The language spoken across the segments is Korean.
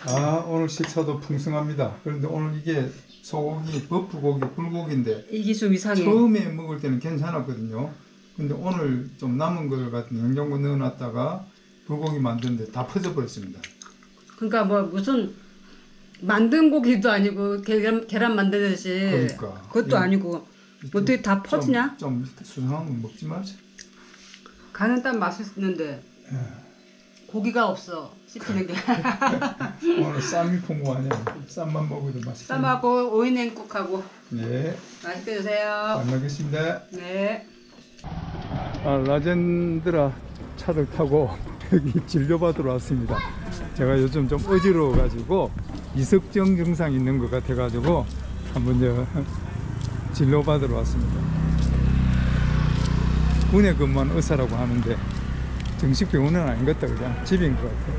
아, 오늘 식사도 풍성합니다. 그런데 오늘 이게 소고기, 버프고기, 불고기인데 이게 좀 이상해. 처음에 먹을 때는 괜찮았거든요. 근데 오늘 좀 남은 걸 같은 냉장고 넣어놨다가 불고기 만드는데 다 퍼져버렸습니다. 그러니까 뭐 무슨 만든 고기도 아니고 계란 만드듯이. 그러니까. 그것도 아니고 어떻게 다 퍼지냐? 좀 수상한 건 먹지 말자. 간은 딱 맛있는데 고기가 없어 씹히는 게. 오늘 쌈이 풍부하네. 쌈만 먹어도 맛있어. 쌈하고 오이 냉국하고. 네. 맛있게 드세요. 잘 먹겠습니다. 네. 아, 라젠드라 차를 타고 여기 진료받으러 왔습니다. 제가 요즘 좀 어지러워가지고 이석증 증상 있는 것 같아가지고 한번 진료받으러 왔습니다. 군에 근무하는 의사라고 하는데 정식 병원은 아닌 것 같다. 그냥 집인 것 같아.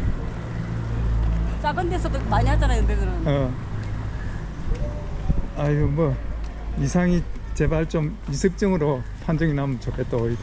작은 데서도 많이 하잖아요, 근데는. 아유, 뭐 이상이 제발 좀 이석증으로 판정이 나면 좋겠다. 오히려.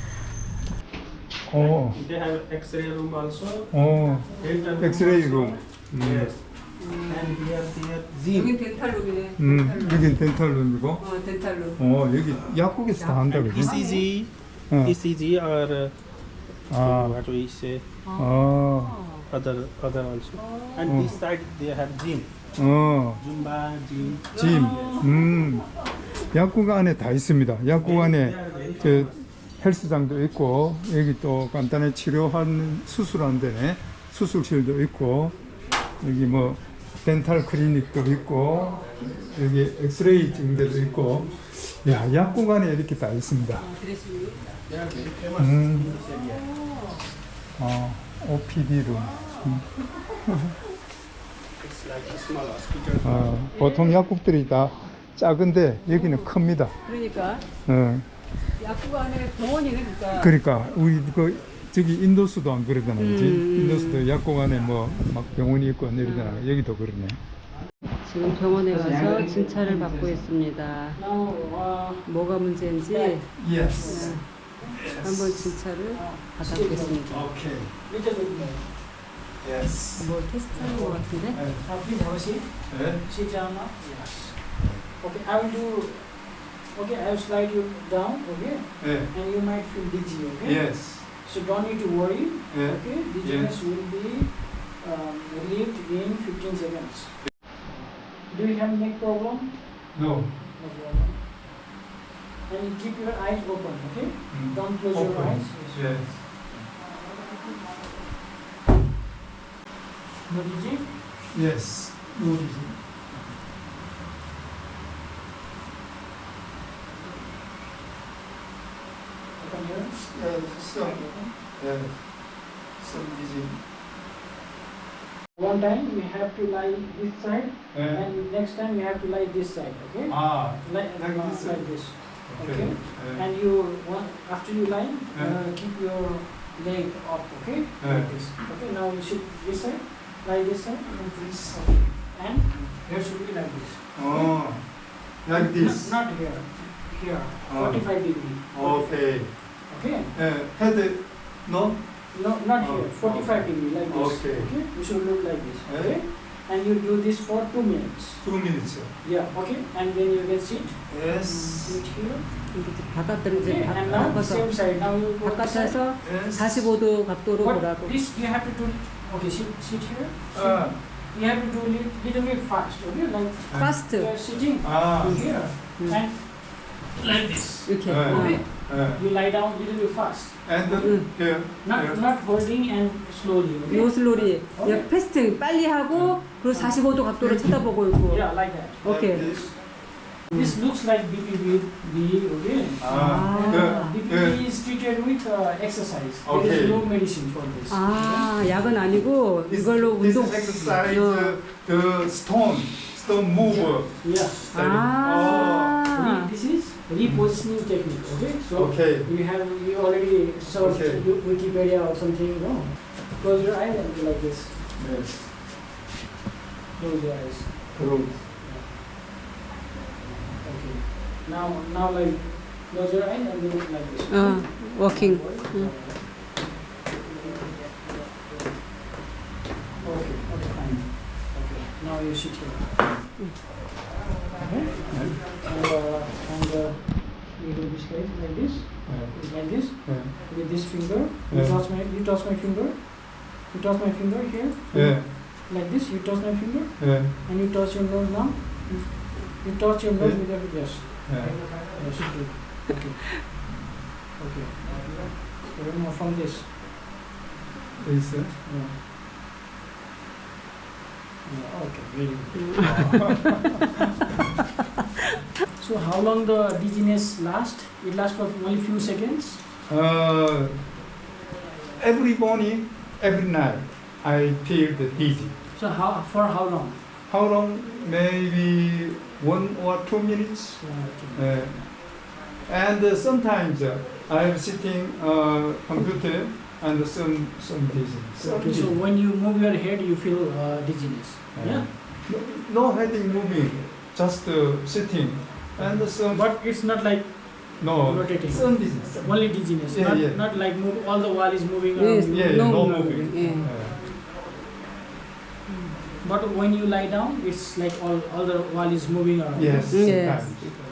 They have X-ray room also. Dental room 엑스레이 also. 룸. Yes. And here Zim. 여긴 덴탈룸이네. 여긴 덴탈룸이고. 덴탈룸. 여기 약국에서 다 한다 그지? ECG, 어. ECG or what we say other also. And this side they have gym, Zumba gym. 짐. 약국 안에 다 있습니다. 약국 안에 그 헬스장도 있고 여기 또 간단히 치료하는 수술하는 데네. 수술실도 있고 여기 뭐 덴탈 클리닉도 있고 여기 엑스레이 찍는 데도 있고 야, 약국 안에 이렇게 다 있습니다. OPD 룸. It's like a small hospital. 보통 약국들이 다 작은데 여기는 큽니다. 그러니까 약국 안에 병원이네, 그러니까 우리 저기 인도수도 안 그러잖아, 그지? 인도수도 약국 안에 뭐 막 병원이 있고 이러잖아. 여기도 그러네. 지금 병원에 가서 진찰을 받고 있습니다. 뭐가 문제인지 Yes. 한번 진찰을 받아보겠습니다. Okay. Which is it? Yes. 뭐 테스트하는 것 같은데? Please have a seat. 네. Sit down now. Yes. Okay, I will do. Okay, I will slide you down. Okay, 네. and you might feel dizzy. Okay. Yes. So don't need to worry. 네. Okay, dizziness will be relieved in 15 seconds. Do you have neck problem? No. No problem. And you keep your eyes open, okay? Don't close your Open. eyes. Yes. No dizzy? Yes. No dizzy. Open here. Some dizzy. One time we have to lie this side, 네. and next time we have to lie this side, okay? Like this like this. Okay. And you want after you lie, keep your leg up, okay? Like this. Okay. Now you should this side, lie this side, and this. Okay. And here should be like this. like this. Not here. Here. 45 degree. Okay. Okay. Head, no? No, not here. 45 degree like this. Okay. You should look like this. Okay. And you do this for 2 minutes. 2 minutes. Yeah. Okay. And then you can sit. Yes. Sit here. 바깥으로 Okay. 이제 And now 바꿔서 same side. Now you go this side. 바깥에서 Yes. 45도 각도로 But 보라고. this you have to do. Okay. Sit here. You have to do little bit fast. Okay. Like 파스트 you are sitting here and like this. 이렇게. Okay. You lie down little bit fast. And here. Not holding and slowly. Okay. 노슬로리. 패스트 빨리 하고 그리고 45도 각도로 쳐다보고 있고. Yeah, like that. 오케이. This looks like BPB, okay? BPB is treated with exercise. There Okay. is no medicine for this. 아, 약은 아니고 이걸로 This 운동. is exercise the stone move. Yeah. 아. This is repositioning technique. Okay. So Okay. you already searched Okay. Wikipedia or something. No. Close your eyes and do like this. Yes. Close your eyes. 그럼 Okay. Now like close your eyes and do it like this. 워킹. Okay, fine. Now you sit here. Okay? And you do this like this. Like this. With this finger. You touch my finger. You touch my finger here. 예. Like this. You touch my finger. 예. And you touch your nose now. You touch your nose with your yes. 예. Yes. Good. Okay. Okay. So now from this. 있어. Yeah. Yeah, okay, very good. So how long the dizziness last? It lasts for only few seconds. Every morning, every night, I feel the dizzy. So for how long? How long? Maybe 1 or 2 minutes. And sometimes I'm sitting computer and some dizziness. Okay, so when you move your head, you feel dizziness. Yeah. No heading moving, just sitting and some. But it's not like No, rotating. some dizziness. Only dizziness. Yeah, not, yeah. not like move, all the wall is moving around. Yes. you. Yeah, No no moving, moving. But when you lie down, it's like all the wall is moving around. Yes. Yes.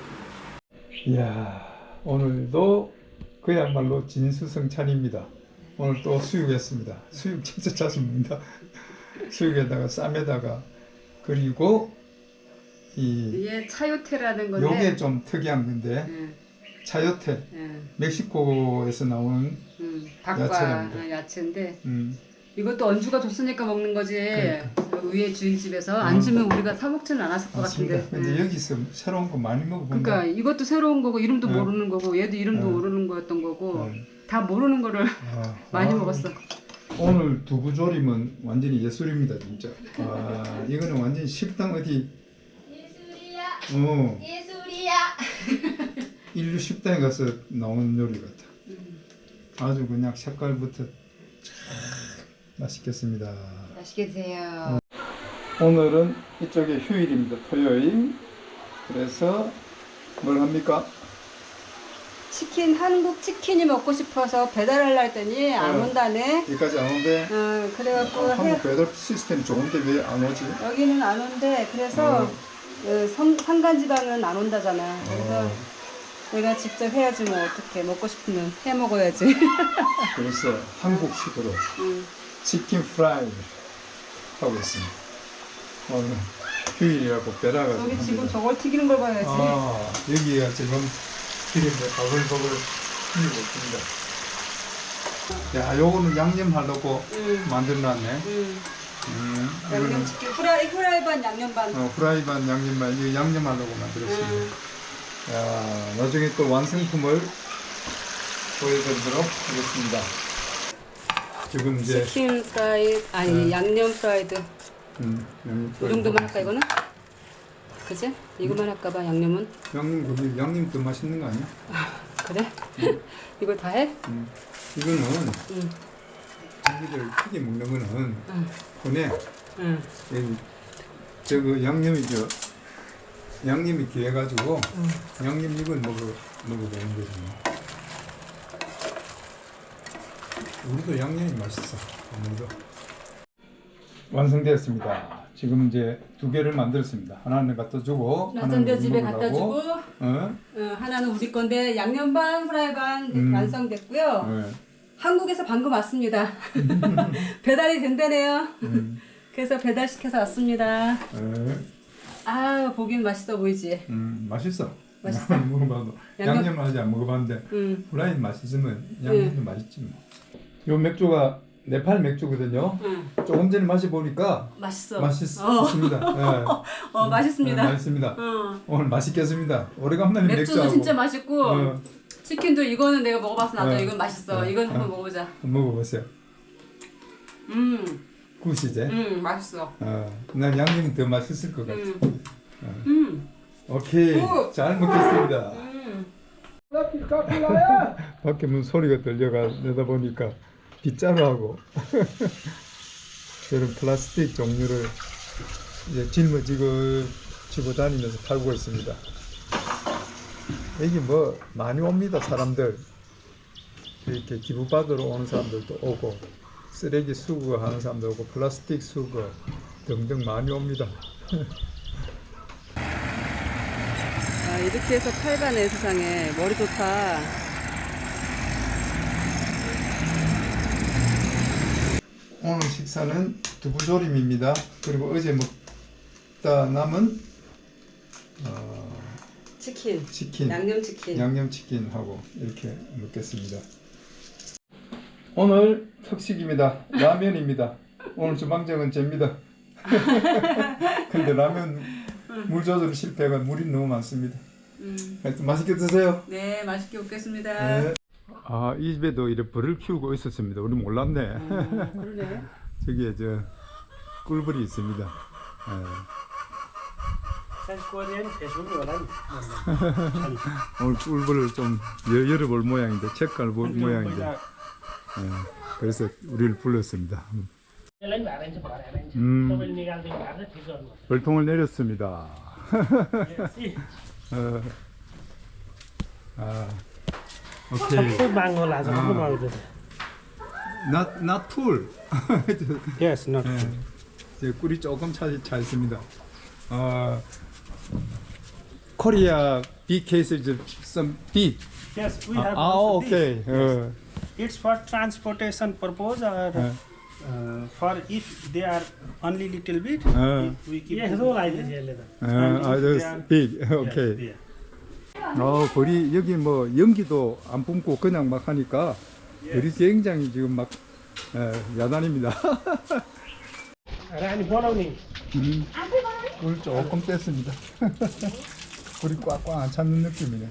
이야, 오늘도 그야말로 진수성찬입니다. 오늘 또 수육했습니다. 수육 진짜 자주 먹는다. 수육에다가 쌈에다가 그리고 이 이게 차요테라는 건데. 요게 좀 특이한 건데 예, 차요테 예. 멕시코에서 나오는 닭과 야채랍니다. 야채인데 음, 이것도 언주가 줬으니까 먹는 거지. 그러니까. 위에 주인집에서 안 주면 우리가 사 먹지는 않았을 것 맞습니다. 같은데. 근데 예. 여기서 새로운 거 많이 먹어본다. 그러니까 이것도 새로운 거고 이름도 네. 모르는 거고 얘도 이름도 네. 모르는 거였던 거고 네. 다 모르는 거를 아, 많이 아, 먹었어. 오늘 두부조림은 완전히 예술입니다, 진짜. 아, 이거는 완전히 식당 어디 예술이야. 예술이야. 인류 식당에 가서 나온 요리 같아. 아주 그냥 색깔부터 참 맛있겠습니다. 맛있게 드세요. 오늘은 이쪽에 휴일입니다. 토요일. 그래서 뭘 합니까? 치킨 한국 치킨이 먹고 싶어서 배달하려 했더니 안 네. 온다네. 여기까지 안 오는데 그래갖고 한국 배달 시스템 좋은데 왜 안 오지? 여기는 안 온대. 그래서 산간지방은 안 온다잖아. 그래서 내가 직접 해야지 뭐 어떻게 먹고 싶으면 해 먹어야지. 그래서 한국식으로 치킨 프라이 하고 있습니다. 오늘 휴일이라고 배달가지고 여기 지금 합니다. 저걸 튀기는 걸 봐야지. 아, 여기가 지금 기름에 버글버글 튀고 있습니다. 야, 요거는 양념하려고 만들어놨네. 이거는 양념치킨 후라이 반 양념 반. 프라이 반 양념만 이거 양념하려고 만들었습니다. 야, 나중에 또 완성품을 보여드리도록 하겠습니다. 지금 이제 치킨 프라이 아니 양념 프라이드. 양념 이 정도만 할까 이거는? 그지? 이거만 할까봐 양념은? 양념 더 맛있는 거 아니야? 그래? 이걸 다 해? 이거는 고기를 튀겨 먹는 거는 손에 여기 저거 양념이 귀해가지고 양념 이걸 먹어보는 거지. 우리도 양념이 맛있어. 오늘도 완성되었습니다. 지금 이제 2개를 만들었습니다. 하나는 갖다 주고 나전대 집에 갖다 주고 어? 하나는 우리 건데 양념 반 프라이 반 완성됐고요. 네. 한국에서 방금 왔습니다. 배달이 된다네요. 그래서 배달시켜서 왔습니다. 네. 아 보긴 맛있어 보이지? 맛있어. 맛있어? 먹어봐도 양념을 아직 안 먹어봤는데 후라이 맛있으면 양념도 맛있지 뭐. 요 맥주가 네팔 맥주거든요. 조금 전에 마셔보니까 맛있어. 맛있습니다. 네. 맛있습니다. 네, 맛있습니다. 오늘 맛있겠습니다. 오래간만에 맥주도 맥주하고 진짜 맛있고 치킨도 이거는 내가 먹어봐서 나도 이건 맛있어. 이건 한번 먹어보자. 먹어보세요. 굿이제. 맛있어. 난 양념이 더 맛있을 것 같아. 오케이, 잘 먹겠습니다. 밖에 문 소리가 들려가 내다보니까 빗자루하고 이런 플라스틱 종류를 이제 짊어지고 다니면서 팔고 있습니다. 여기 뭐 많이 옵니다. 사람들 이렇게 기부 받으러 오는 사람들도 오고 쓰레기 수거하는 사람도 오고 플라스틱 수거 등등 많이 옵니다. 아, 이렇게 해서 팔가네 세상에. 머리 좋다. 오늘 식사는 두부조림입니다. 그리고 어제 먹다 남은 치킨. 양념치킨. 양념치킨하고 이렇게 먹겠습니다. 오늘 특식입니다. 라면입니다. 오늘 주방장은 잽니다. 근데 라면 물 조절 실패가 물이 너무 많습니다. 하여튼 맛있게 드세요. 네, 맛있게 먹겠습니다. 네. 아, 이 집에도 이렇게 벌을 키우고 있었습니다. 우리 몰랐네. 그러네. 저기에 저 꿀벌이 있습니다. 오늘 꿀벌을 좀 열어볼 모양인데, 책갈 볼 모양인데, 그래서 우리를 불렀습니다. 벌통을 내렸습니다. 오케이. not full. Yes, not. 이제 꿀이 조금 차 있습니다. Korea big cases some big. Yes, we have. Ah, also okay. this. It's for transportation purpose or for if they are only little bit, we keep. Yes, all like this. Just big. Okay. 벌이 여기 뭐 연기도 안 뿜고 그냥 막 하니까 벌이 굉장히 지금 막 야단입니다. Rani बनाउने. 물 조금 뺐습니다. 불이 꽉꽉 안 찼는 느낌이네.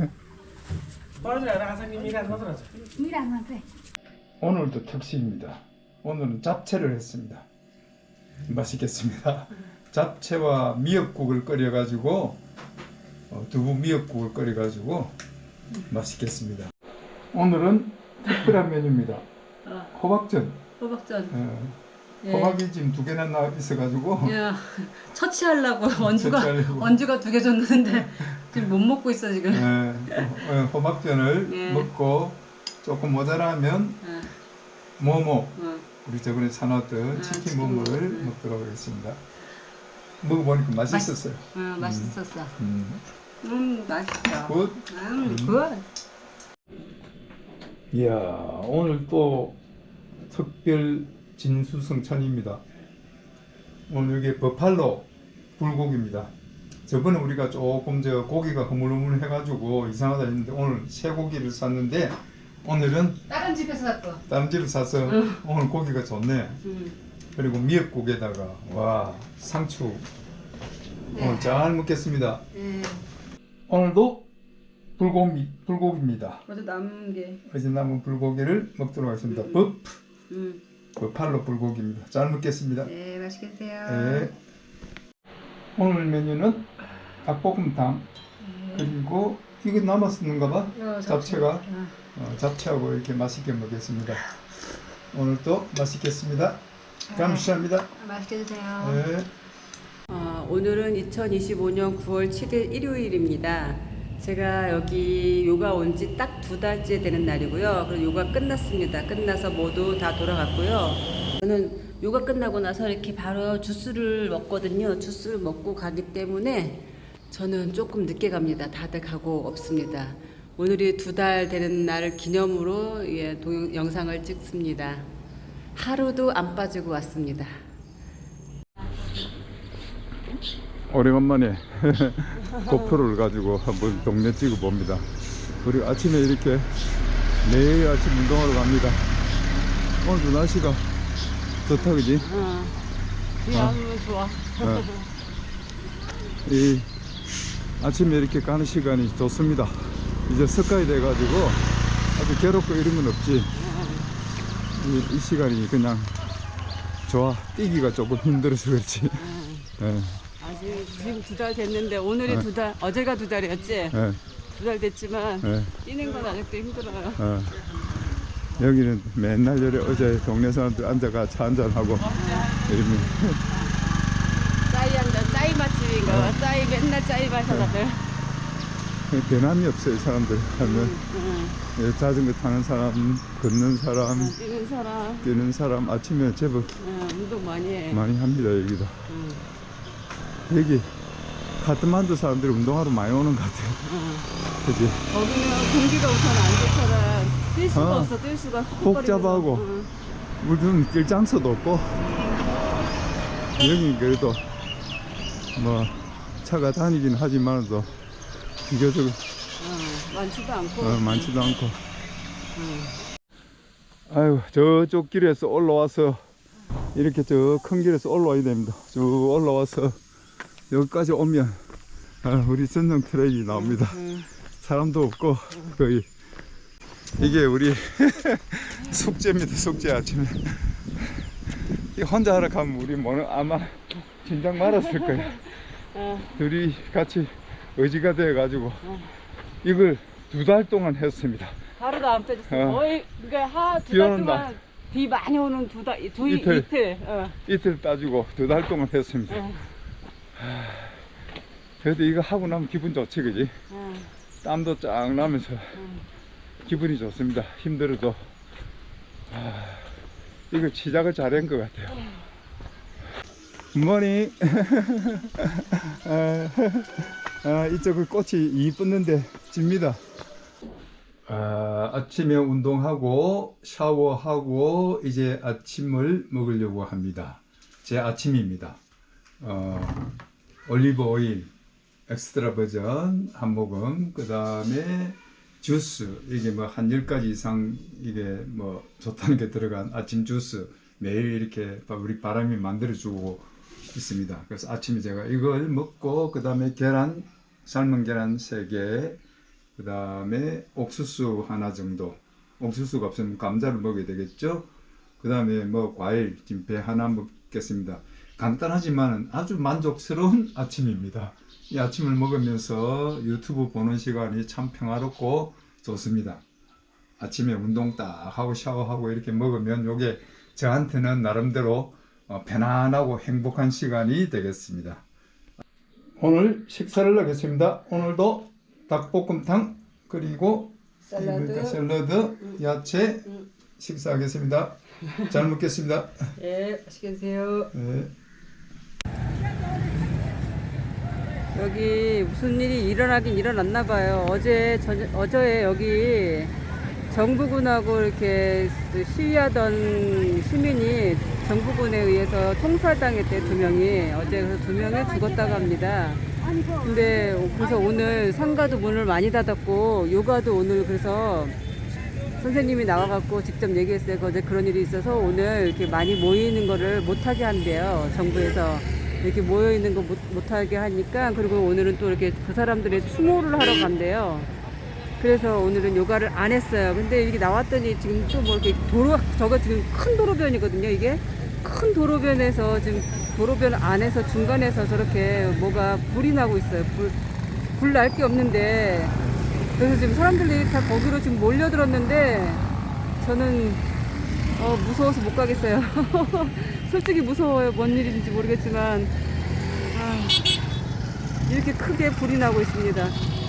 오늘도 특식입니다. 오늘은 잡채를 했습니다. 맛있겠습니다. 잡채와 미역국을 끓여가지고 두부 미역국을 끓여가지고 맛있겠습니다. 오늘은 특별한 메뉴입니다. 호박전. 호박전. 예. 호박이 지금 2개나 나 있어가지고 야, 처치하려고 원주가 처치하려고. 2개 줬는데 지금 못 먹고 있어 지금. 호박전을 예. 먹고 조금 모자라면 모모 우리 저번에 사놨던 치킨 치킨 모모를 모모. 먹도록 하겠습니다. 먹어보니까 맛있었어요. 맛있었어. 맛있다. 굿. 굿. 이야, 오늘 또 특별 진수성찬입니다. 오늘 이게 버팔로 불고기입니다. 저번에 우리가 조금 저 고기가 흐물흐물 해가지고 이상하다 했는데 오늘 쇠고기를 샀는데 오늘은 다른 집에서 샀어. 다른 집을 사서 오늘 고기가 좋네. 그리고 미역국에다가 와 상추 오늘 잘 먹겠습니다. 오늘도 불고기입니다. 어제 남은 게. 어제 남은 불고기를 먹도록 하겠습니다. 버팔로 불고기입니다. 잘 먹겠습니다. 네, 맛있게 드세요. 네. 오늘 메뉴는 닭볶음탕 그리고 이거 남았었는가 봐. 잡채가 잡채하고 이렇게 맛있게 먹겠습니다. 오늘도 맛있겠습니다. 감사합니다. 맛있게 드세요. 네. 오늘은 2025년 9월 7일 일요일입니다. 제가 여기 요가 온 지 딱 2달째 되는 날이고요. 그리고 요가 끝났습니다. 끝나서 모두 다 돌아갔고요. 저는 요가 끝나고 나서 이렇게 바로 주스를 먹거든요. 주스를 먹고 가기 때문에 저는 조금 늦게 갑니다. 다들 가고 없습니다. 오늘이 2달 되는 날 기념으로 영상을 찍습니다. 하루도 안 빠지고 왔습니다. 오래간만에 고프로를 가지고 한번 동네 찍어 봅니다. 우리 아침에 이렇게 매일 아침 운동하러 갑니다. 오늘도 날씨가 좋다 그지? 비 안 오면 좋아. 이 아침에 이렇게 가는 시간이 좋습니다. 이제 석가이 돼가지고 아주 괴롭고 이런 건 없지. 이 시간이 그냥 좋아. 뛰기가 조금 힘들어서 그렇지. 아직 지금 2달 됐는데 오늘이 2달, 어제가 2달이었지? 2달 됐지만 뛰는 건 아직도 힘들어요. 여기는 맨날 어제 동네 사람들 앉아가 차 한잔하고 이러면 짜이 한잔, 짜이 맛집인가 봐. 짜이 맨날 짜이 마셔 다들. 대남이 없어요. 사람들 하면 예, 자전거 타는 사람, 걷는 사람, 뛰는 사람, 뛰는 사람 아침에 제법 운동 많이 해. 많이 합니다. 여기도 여기 카트만두 사람들이 운동하러 많이 오는 것 같아요. 그지? 거기는 공기가 우선 안 좋잖아. 뛸 수가 없어. 뛸 수가. 복잡하고 무슨 길 장소도 없고 여기 그래도 뭐 차가 다니긴 하지만도 비교적 많지도 않고. 많지도 않고. 아유, 저쪽 길에서 올라와서 이렇게 저 큰 길에서 올라와야 됩니다. 쭉 올라와서 여기까지 오면 우리 전용 트랙이 나옵니다. 사람도 없고 거의 이게 우리 숙제입니다. 숙제 아침에 이 혼자 하러 가면 우리 뭐는 아마 진작 말았을 거야. 둘이 같이 의지가 되어 가지고 이걸 2달 동안 했습니다. 하루도 안 빼줬어. 거의 그러니까 비 오는 날. 비 많이 오는 이틀. 이틀. 이틀 따지고 2달 동안 했습니다. 그래도 이거 하고 나면 기분 좋지, 그지? 땀도 쫙 나면서 기분이 좋습니다. 힘들어도 이거 시작을 잘한 것 같아요. 굿모닝. 이쪽은 꽃이 이쁘는데 집니다. 아침에 운동하고 샤워하고 이제 아침을 먹으려고 합니다. 제 아침입니다. 올리브 오일 엑스트라 버전 한 모금, 그 다음에 주스, 이게 뭐 한 10가지 이상 이게 뭐 좋다는 게 들어간 아침 주스 매일 이렇게 우리 바람이 만들어주고 있습니다. 그래서 아침에 제가 이걸 먹고 그 다음에 계란, 삶은 계란 3개, 그 다음에 옥수수 하나 정도, 옥수수가 없으면 감자를 먹어야 되겠죠. 그 다음에 뭐 과일, 지금 배 하나 먹겠습니다. 간단하지만 아주 만족스러운 아침입니다. 이 아침을 먹으면서 유튜브 보는 시간이 참 평화롭고 좋습니다. 아침에 운동 딱 하고 샤워하고 이렇게 먹으면 이게 저한테는 나름대로 편안하고 행복한 시간이 되겠습니다. 오늘 식사를 하겠습니다. 오늘도 닭볶음탕 그리고 샐러드, 야채 식사하겠습니다. 잘 먹겠습니다. 예, 맛있게 드세요. 네. 여기 무슨 일이 일어나긴 일어났나 봐요. 어제 여기 정부군하고 이렇게 시위하던 시민이 정부군에 의해서 총살당했대, 2명이. 어제 그래서 2명이 죽었다고 합니다. 근데 그래서 오늘 상가도 문을 많이 닫았고 요가도 오늘 그래서 선생님이 나와갖고 직접 얘기했어요. 어제 그런 일이 있어서 오늘 이렇게 많이 모이는 거를 못하게 한대요. 정부에서 이렇게 모여있는 거 못하게 하니까. 그리고 오늘은 또 이렇게 그 사람들의 추모를 하러 간대요. 그래서 오늘은 요가를 안 했어요. 근데 이렇게 나왔더니 지금 또 뭐 이렇게 저거 지금 큰 도로변이거든요. 이게 큰 도로변에서 지금 도로변 안에서 중간에서 저렇게 뭐가 불이 나고 있어요. 불 날 게 없는데. 그래서 지금 사람들이 다 거기로 지금 몰려들었는데 저는 무서워서 못 가겠어요. 솔직히 무서워요. 뭔 일인지 모르겠지만 이렇게 크게 불이 나고 있습니다.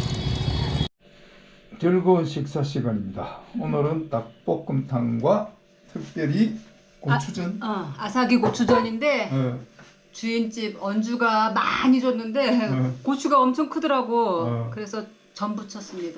즐거운 식사 시간입니다. 오늘은 닭볶음탕과 특별히 고추전. 아사기 고추전인데 주인집 언주가 많이 줬는데 고추가 엄청 크더라고. 그래서 전 부쳤습니다.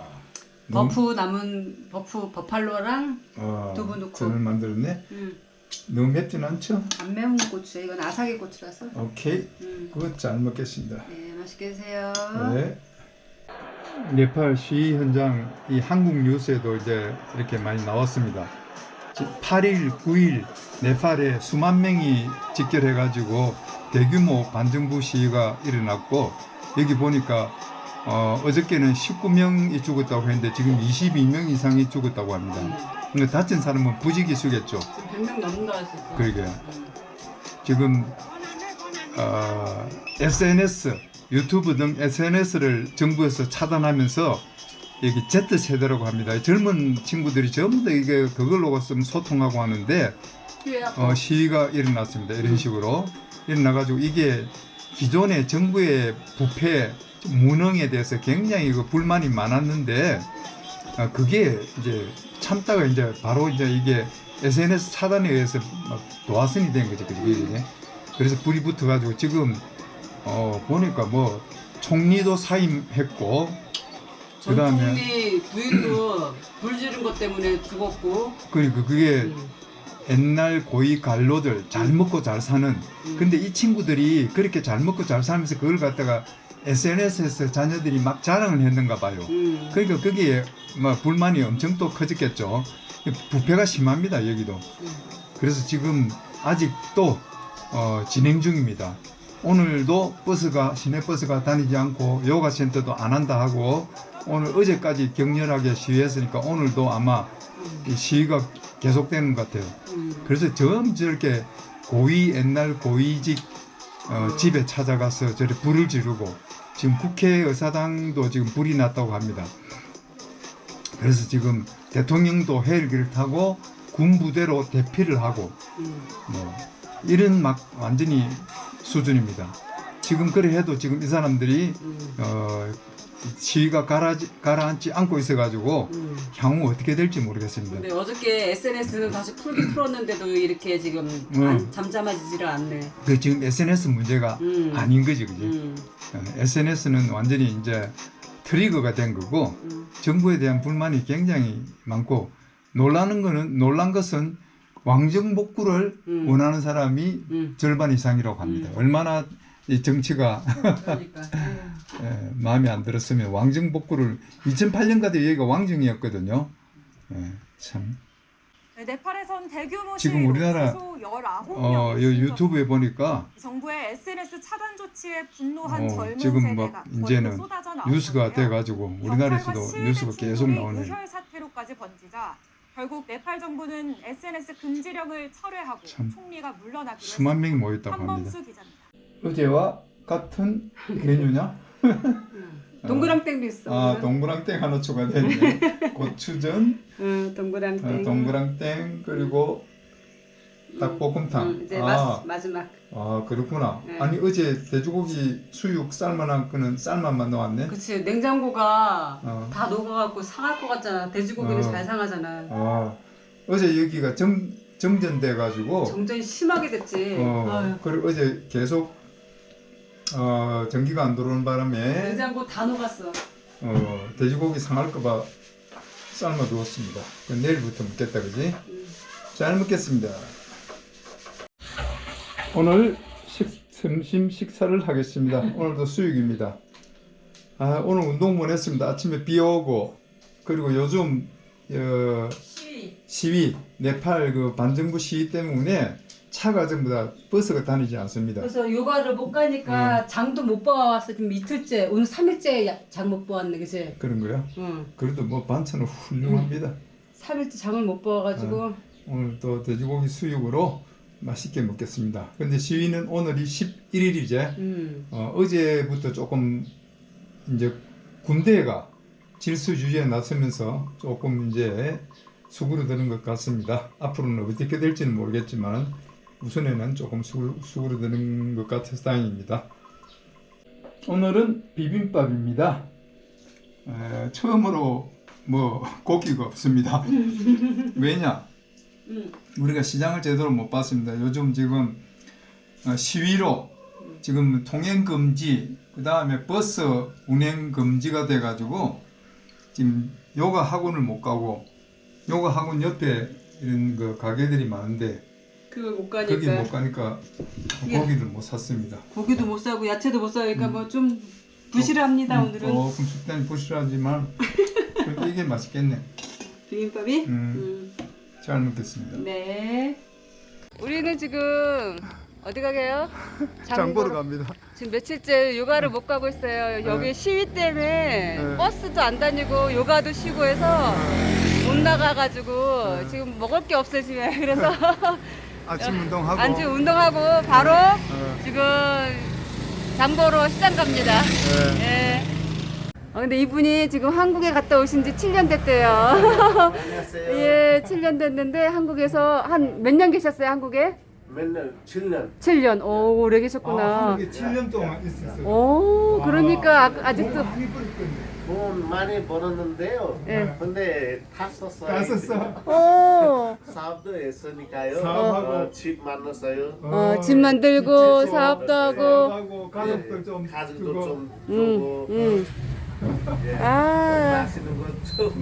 버팔로랑 두부 넣고. 전을 만들었네. 너무 맵진 않죠? 안 매운 고추. 이건 아사기 고추라서. 오케이. 그거 잘 먹겠습니다. 네, 맛있게 드세요. 네. 네팔 시위 현장, 이 한국 뉴스에도 이제 이렇게 많이 나왔습니다. 8일, 9일 네팔에 수만 명이 집결해가지고 대규모 반정부 시위가 일어났고, 여기 보니까 어저께는 19명이 죽었다고 했는데 지금 22명 이상이 죽었다고 합니다. 근데 다친 사람은 부지기수겠죠. 100명 넘는다 했었어. 그러게요. 지금 SNS, 유튜브 등 SNS를 정부에서 차단하면서 여기 Z세대라고 합니다. 젊은 친구들이 전부 다 이게 그걸로 소통하고 하는데 시위가 일어났습니다. 이런 식으로 일어나가지고 이게 기존의 정부의 부패 무능에 대해서 굉장히 그 불만이 많았는데 그게 이제 참다가 이제 바로 이제 이게 SNS 차단에 의해서 막 도화선이 된 거죠. 그게. 그래서 불이 붙어가지고 지금 보니까 뭐 총리도 사임했고 전 그다음에 총리 부인도 불 지른 것 때문에 죽었고. 그러니까 그게 옛날 고위 관료들 잘 먹고 잘 사는 근데 이 친구들이 그렇게 잘 먹고 잘 살면서 그걸 갖다가 SNS에서 자녀들이 막 자랑을 했는가 봐요. 그러니까 거기에 막 불만이 엄청 또 커졌겠죠. 부패가 심합니다 여기도. 그래서 지금 아직도 진행 중입니다. 오늘도 버스가 시내버스가 다니지 않고 요가 센터도 안 한다 하고 오늘 어제까지 격렬하게 시위했으니까 오늘도 아마 이 시위가 계속되는 것 같아요. 그래서 저렇게 옛날 고위직 집에 찾아가서 저렇게 불을 지르고 지금 국회의사당도 지금 불이 났다고 합니다. 그래서 지금 대통령도 헬기를 타고 군부대로 대피를 하고 뭐 이런 막 완전히 수준입니다. 지금 그래 해도 지금 이 사람들이 시위가 가라앉지 않고 있어가지고 향후 어떻게 될지 모르겠습니다. 근데 어저께 SNS는 다시 풀었는데도 이렇게 지금 잠잠해지지를 않네. 그 지금 SNS 문제가 아닌 거지, 그지? SNS는 완전히 이제 트리거가 된 거고 정부에 대한 불만이 굉장히 많고 놀란 것은 왕정복구를 원하는 사람이 절반 이상이라고 합니다. 얼마나 이 정치가 그러니까. 마음에 안 들었으면 왕정복구를 2008년까지 여기가 왕정이었거든요. 참. 네팔에선 대규모 지금 시위로 우리나라 최소 19명이 유튜브에 보니까 정부의 SNS 차단 조치에 분노한 젊은 지금 세대가 막 이제는 거리로 쏟아져 나오는데요. 뉴스가 돼가지고 우리나라에서도 뉴스가 계속 나오네. 의혈 사태로까지 번지자 결국 네팔 정부는 SNS 금지령을 철회하고 참 총리가 물러나기로 수만 명이 모였다고 합니다. 한범수 기자입니다. 어제와 같은 메뉴냐? 동그랑땡도 있어. 동그랑땡 하나 추가됐네. 고추전, 동그랑땡. 동그랑땡 그리고 닭볶음탕. 이제 마지막. 그렇구나. 네. 아니 어제 돼지고기 수육 삶아놓은 거는 삶아만 넣었네. 그치, 냉장고가 다 녹아갖고 상할 것 같잖아. 돼지고기는 잘 상하잖아. 어제 여기가 정전돼가지고 정전이 심하게 됐지. 그리고 어제 계속 전기가 안 들어오는 바람에 냉장고 다 녹았어. 돼지고기 상할까봐 삶아두었습니다. 내일부터 먹겠다, 그지? 잘 먹겠습니다. 오늘 점심 식사를 하겠습니다. 오늘도 수육입니다. 오늘 운동 못 했습니다. 아침에 비 오고 그리고 요즘 시위 네팔 그 반정부 시위 때문에 차가 전부 다 버스가 다니지 않습니다. 그래서 요가를 못 가니까 장도 못 봐왔어. 지금 이틀째, 오늘 3일째 장 못 봐왔네, 그치? 그런 거야? 응. 그래도 뭐 반찬은 훌륭합니다. 3일째 장을 못 봐와가지고. 오늘 또 돼지고기 수육으로 맛있게 먹겠습니다. 근데 시위는 오늘이 11일이제. 어제부터 조금 이제 군대가 질서 유지에 나서면서 조금 이제 수그러드는 것 같습니다. 앞으로는 어떻게 될지는 모르겠지만 우선에는 조금 수그러드는 것 같아서 다행입니다. 오늘은 비빔밥입니다. 처음으로 뭐 고기가 없습니다. 왜냐? 우리가 시장을 제대로 못 봤습니다. 요즘 지금 시위로 지금 통행 금지, 그 다음에 버스 운행 금지가 돼가지고 지금 요가 학원을 못 가고 요가 학원 옆에 이런 그 가게들이 많은데 그걸 못 가니까. 거기 못 가니까 고기를 못 샀습니다. 고기도 못 사고 야채도 못 사니까 뭐 좀 부실합니다 오늘은. 조금 식단이 부실하지만 그래도 이게 맛있겠네. 비빔밥이? 잘 먹겠습니다. 네. 우리는 지금 어디 가게요? 장 보러 갑니다. 지금 며칠째 요가를 못 가고 있어요. 여기 시위 때문에 버스도 안 다니고 요가도 쉬고 해서 못 나가가지고 지금 먹을 게 없어요 집에. 그래서 아침 운동하고 안주 운동하고 바로 지금 장 보러 시장 갑니다. 예. 근데 이분이 지금 한국에 갔다 오신 지 7년 됐대요. 안녕하세요. 예, 7년 됐는데 한국에서 한 몇 년 계셨어요, 한국에? 맨날 7년. 7년. 오, 오래 아, 계셨구나. 한국에 7년 동안 있었어요. 오, 그러니까 아직도. 많이 버렸겠네. 돈 많이 벌었는데요. 예. 근데 다 썼어요. 다 썼어. 오, 사업도 했으니까요. 사업하고. 집 만났어요. 집 만들고 사업도 하고. 하고 가족들 좀 가족도 주고. 좀 음, 주고. 예. 아, 마시는 것좀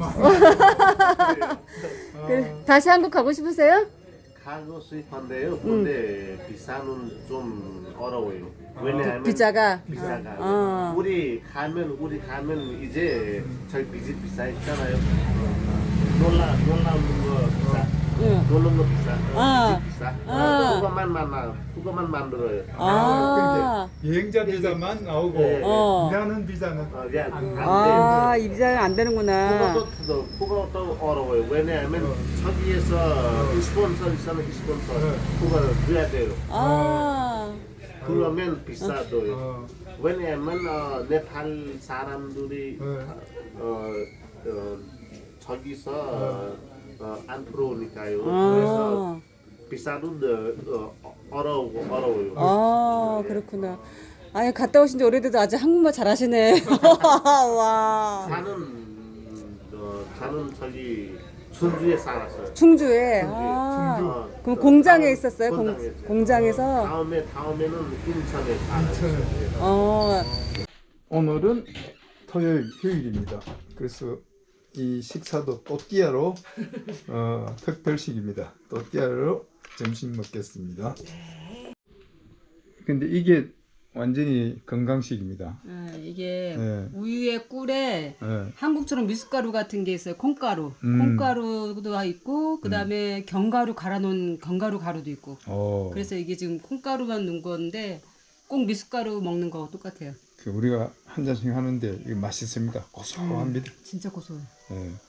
그래. 다시 한국 가고 싶으세요? 가고 싶은데요. 근데 비싸는 좀 어려워요. 왜냐하면 비자가. 비싸가. 어. 우리 가면 이제 저희 빚이 비싸 있잖아요. 놀라운 거 비싸. 응. 놀라운 거 비싸. 아. 빚이 비싸. 아. 그거만 만들어요. 아, 그러니까 여행자 비자만 나오고 예, 예. 일하는 비자는 그냥 아, 이 비자는 안 되는구나. 그것도 어려워요. 왜냐하면 저기에서 스폰서 있으면 스폰서 그거 줘야 돼요. 아, 그러면 비싸도요. 어, 왜냐하면 네팔 사람들이 저기서 안 들어오니까요. 그래서 비싸도 어려워요. 아, 그렇구나. 아니, 갔다 오신 지 오래돼도 아직 한국말 잘하시네. 와. 저는 저기 충주에 살았어요. 충주에. 아, 어, 그럼 공장에 있었어요? 공장에 공장에서? 다음에는 인천에 살았어요. 어, 오늘은 토요일 휴일입니다. 그래서 이 식사도 또띠아로 특별식입니다. 또띠아로 점심 먹겠습니다. 근데 이게 완전히 건강식입니다. 이게 네. 우유에 꿀에 예. 한국처럼 미숫가루 같은 게 있어요. 콩가루. 음. 콩가루도 있고, 그 다음에 견가루 갈아놓은 견가루 가루도 있고. 어, 그래서 이게 지금 콩가루만 넣은 건데 꼭 미숫가루 먹는 거하고 똑같아요. 우리가 한 잔씩 하는데 이게 맛있습니다. 고소합니다. 진짜 고소해요. 예.